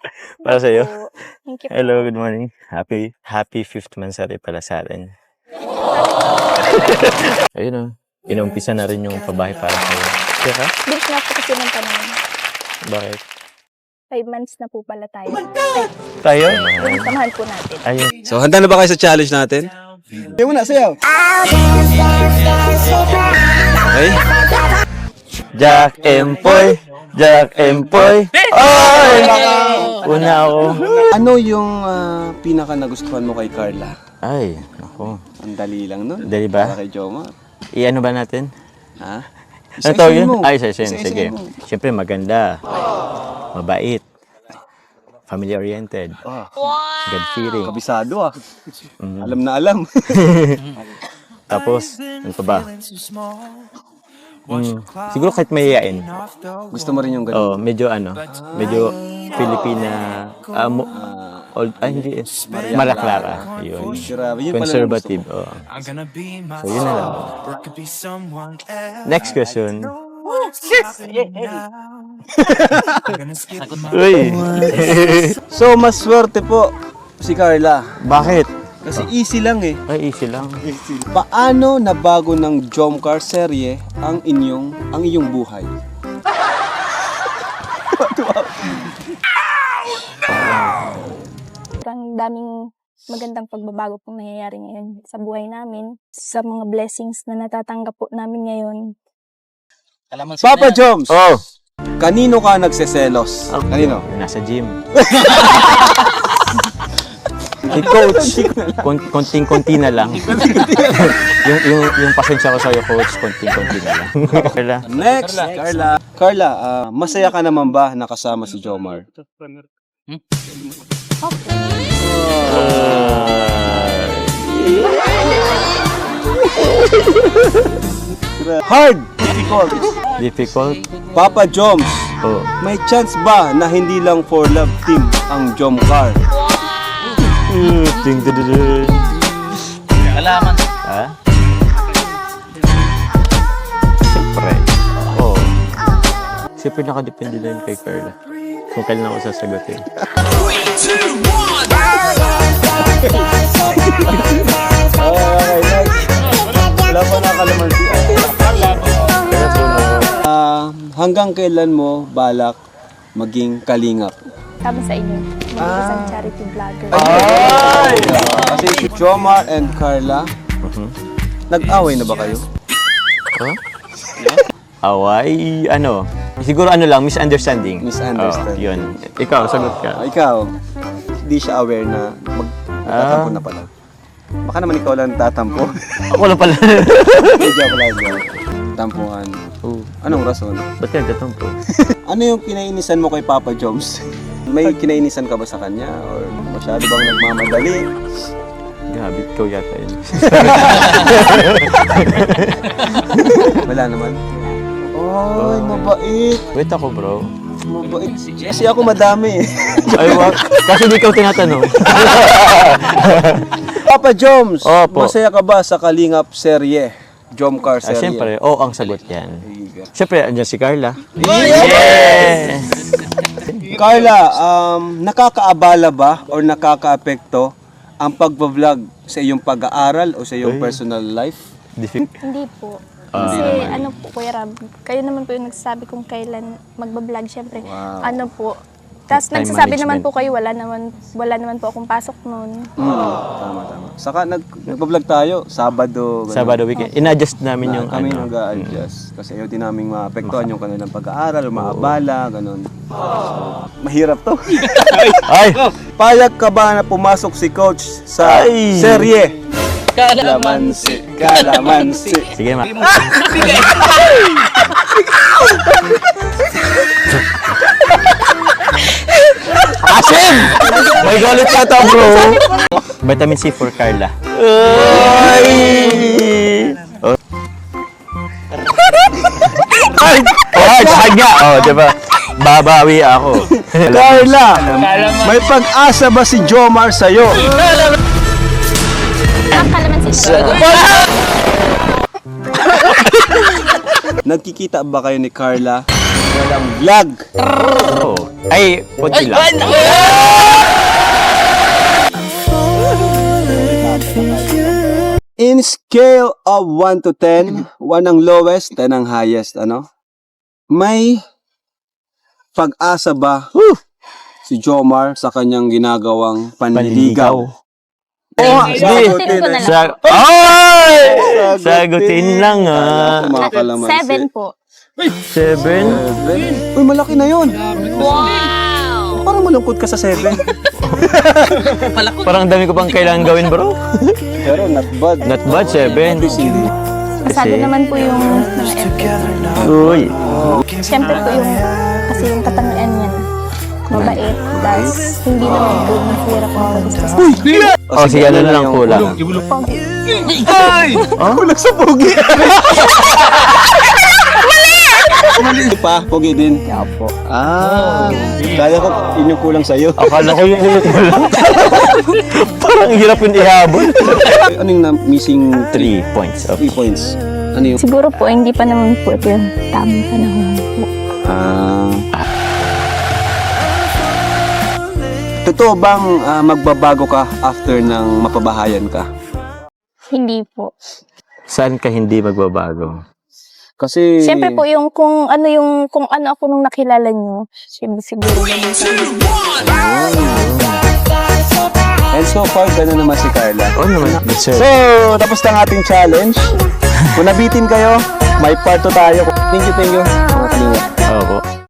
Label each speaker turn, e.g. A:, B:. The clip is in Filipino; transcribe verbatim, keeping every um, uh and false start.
A: Para sa'yo.
B: Po. Thank you po.
A: Hello, good morning. Happy, happy fifth mansari pala sa atin. Ayun o, inumpisa na rin yung pabahay para sa'yo. Siya ka?
B: Bilis na po kasi ng panahon.
A: Bakit?
B: Five months na po pala tayo. Ay,
A: Tayo?
B: yung samahan po natin.
A: Ayun.
C: So, handa na ba kayo sa challenge natin?
D: Hindi mo na, sayaw.
C: Okay?
A: Jack Empoy! Jack Empoy! Oy! Una ako.
D: Ano yung ah, pinaka nagustuhan mo kay Carla?
A: Ay, ako.
D: Ang dali lang nun.
A: Dali ba?
D: Para kay Jomar.
A: I-ano ba natin?
D: Ha?
A: Ano tawag yun?
D: mo.
A: Ay, isa-isahin.
D: Isa-isahin
A: Sige.
D: mo.
A: Siyempre, maganda. Mabait. Family-oriented.
D: Ah,
A: God-fearing.
D: kabisado ah.
A: Mm.
D: Alam na alam.
A: Tapos, ano pa ba? Mm, siguro kahit mayayain.
D: Gusto mo rin yung ganun.
A: Oh, medyo ano, medyo Filipina, ah, mo, old, ay hindi, eh, Maria Clara. Yun.
D: Grabe, yun pala ang
A: Conservative. Oh. So, yun na lang. Next question. Uy!
D: So, mas swerte po si Carla.
A: Bakit?
D: Kasi easy lang eh.
A: Ay, easy lang.
D: Paano nabago ng Jomcar serye ang inyong ang iyong buhay?
B: Ang daming magandang pagbabago pong nangyayari ngayon sa buhay namin. Sa mga blessings na natatanggap po namin ngayon.
D: Papa Joms,
A: Oh!
D: kanino ka nagseselos? Kanino?
A: Nasa gym. Si coach, kon- konting-konti na lang. yung, yung, yung pasensya ko sa'yo, coach, konting-konti na lang. Kala,
D: Next, Carla. Carla, ah, masaya ka naman ba nakasama si Jomar? Hard! Difficult.
A: difficult.
D: Papa Joms,
A: Oh.
D: may chance ba na hindi lang for love team ang Jomcar?
A: Uh, ding, ding, ding, ding.
E: Kalaman.
A: Ha? Siyempre. Oo. Oh. Siyempre nakadepende na yun kay Carla. Kung kailan ako sasagutin.
D: Okay, next. Wala pa nakalamansi. Ah, hanggang kailan mo balak maging kalingap?
B: Kami sa inyo, mga isang charity vlogger.
D: Ay! Kasi si Jomar and Carla,
A: Mhm.
D: nag-away na ba kayo?
A: Huh? Away, ano? Siguro ano lang, misunderstanding.
D: Misunderstanding.
A: Oh, yun. Ikaw, sagot
D: Ah,
A: ka.
D: ikaw, hindi siya aware na magtatampo na pala. Baka naman ikaw lang tatampo.
A: Ako lang pala.
D: Medyo pala dyan. Tampuhan.
A: Oh,
D: Anong rason?
A: ba't ka nagtatampo?
D: Ano yung kinainisan mo kay Papa Joms? May kinainisan ka ba sa kanya? Or masyado bang nagmamadali?
A: Grabe, ikaw yata yun.
D: Wala naman. Ay, mabait.
A: Wait ako, bro.
D: Mabait. Kasi ako madami eh.
A: Ay, wag. Kasi di ikaw tinatanong.
D: Papa Joms,
A: Opo.
D: masaya ka ba sa Kalingap serye? Jomcar
A: Ah,
D: serye?
A: siyempre, oo ang sagot yan.
D: Higa.
A: Siyempre, andyan si Carla. Yeah!
D: Carla, um, nakakaabala ba or nakakaapekto ang pagbablog sa iyong pag-aaral o sa iyong
A: Ay.
D: personal life?
A: Diffi-
B: Hindi po.
A: Ah.
B: Kasi ano po, Kuya Rab, kayo naman po yung nagsasabi kung kailan magbablog, syempre.
D: Wow.
B: Ano po. Tapos
A: Time
B: nagsasabi naman
A: management.
B: po kayo, wala naman, wala naman po akong pasok noon.
D: Mm, tama, tama. Saka nag, nagbablog tayo, Sabado. ganun.
A: Sabado weekend. In-adjust namin
D: Na,
A: yung
D: kami
A: ano.
D: nag-a-adjust. Kasi ayaw din namin maapektuhan yung kanilang pag-aaral o maabala, ganun. So, mahirap to.
A: Ay!
D: Payag ka ba na pumasok si Coach sa
A: Ay!
D: serye? Kalamansi, kalamansi.
A: Sige, ma. Asim! May galit ka ta, bro. Vitamin C for Carla. Ay! Oh. Ay! Oh, sa kanya. Oh, diba? Babawi ako.
D: Carla, may pag-asa ba si Jomar sa'yo?
B: Ang kalamansi.
D: Nagkikita ba kayo ni Carla? Walang vlog.
A: Oo. Ay, konti lang.
D: In scale of one to ten, one ang lowest, ten ang highest, ano? May pag-asa ba si Jomar sa kanyang ginagawang panliligaw?
A: Oo,
B: Sagutin ko na lang.
A: Sa- Ay! Sagutin lang ah.
D: Mga kalamansi.
B: Seven po.
A: Seven?
D: Seven? Uy, malaki na yun.
B: Wow!
D: Parang malungkot ka sa seven.
A: Parang dami ko pang kailangan gawin, bro.
D: Pero not bad.
A: Not bad, seven.
B: Pasado naman po yung mga effort.
A: Uy.
B: Siyempre po yung, kasi yung katangian niyan, mabait, tapos hindi naman po mahirap ang pag-discuss.
A: Oh, sige, ano na lang kulang.
D: Kulang sa pogi. Mali pa, pogi din.
B: Opo.
D: Ah, kaya ko inyong kulang sa'yo.
A: Akala ko yung ulit mo lang. Parang hirap yung ihabol.
D: Ano yung na- missing
A: Three points.
D: three points? Ano yung...
B: Siguro po, hindi pa naman po ito yung tamang panahon po.
D: Ah... Totoo bang ah, magbabago ka after ng mapabahayan ka?
B: Hindi po.
A: Saan ka hindi magbabago?
D: Kasi...
B: Siyempre po, yung kung ano yung, kung ano ako nung nakilala nyo, siguro, siguro ganun sa
D: And so far, gano'n naman si Carla.
A: Oo naman. Sir.
D: So, tapos na ang ating challenge. Kung nabitin kayo, may part two tayo. Thank you, thank you.